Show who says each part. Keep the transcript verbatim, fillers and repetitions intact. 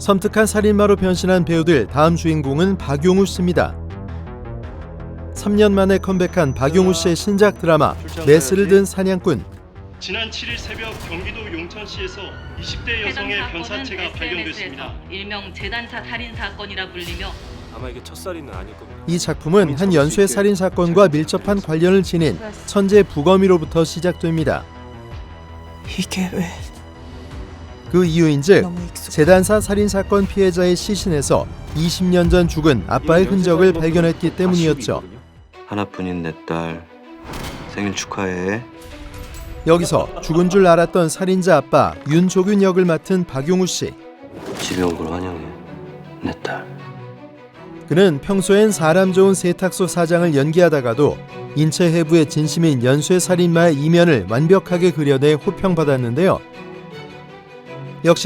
Speaker 1: 섬뜩한 살인마로 변신한 배우들 다음 주인공은 박용우 씨입니다. 삼 년 만에 컴백한 박용우 씨의 신작 드라마 메스를 든 사냥꾼.
Speaker 2: 지난 칠 일 새벽 경기도 용천시에서 이십 대 여성의 변사체가 발견됐습니다.
Speaker 3: 일명 재단사 살인 사건이라 불리며
Speaker 4: 아마 이게 첫살인은 아닐 겁니다.
Speaker 1: 이 작품은 한 연쇄 살인 사건과 밀접한 관련을 지닌 천재 부검이로부터 시작됩니다.
Speaker 5: 이게 왜
Speaker 1: 그 이유인즉
Speaker 5: 너무 익숙
Speaker 1: 재단사 살인 사건 피해자의 시신에서 이십 년 전 죽은 아빠의 흔적을 발견했기 때문이었죠.
Speaker 6: 하나뿐인 내 딸 생일 축하해.
Speaker 1: 여기서 죽은 줄 알았던 살인자 아빠 윤조균 역을 맡은 박용우 씨.
Speaker 6: 집에 온 걸 환영해. 내 딸.
Speaker 1: 그는 평소엔 사람 좋은 세탁소 사장을 연기하다가도 인체 해부의 진심인 연쇄 살인마의 이면을 완벽하게 그려내 호평받았는데요.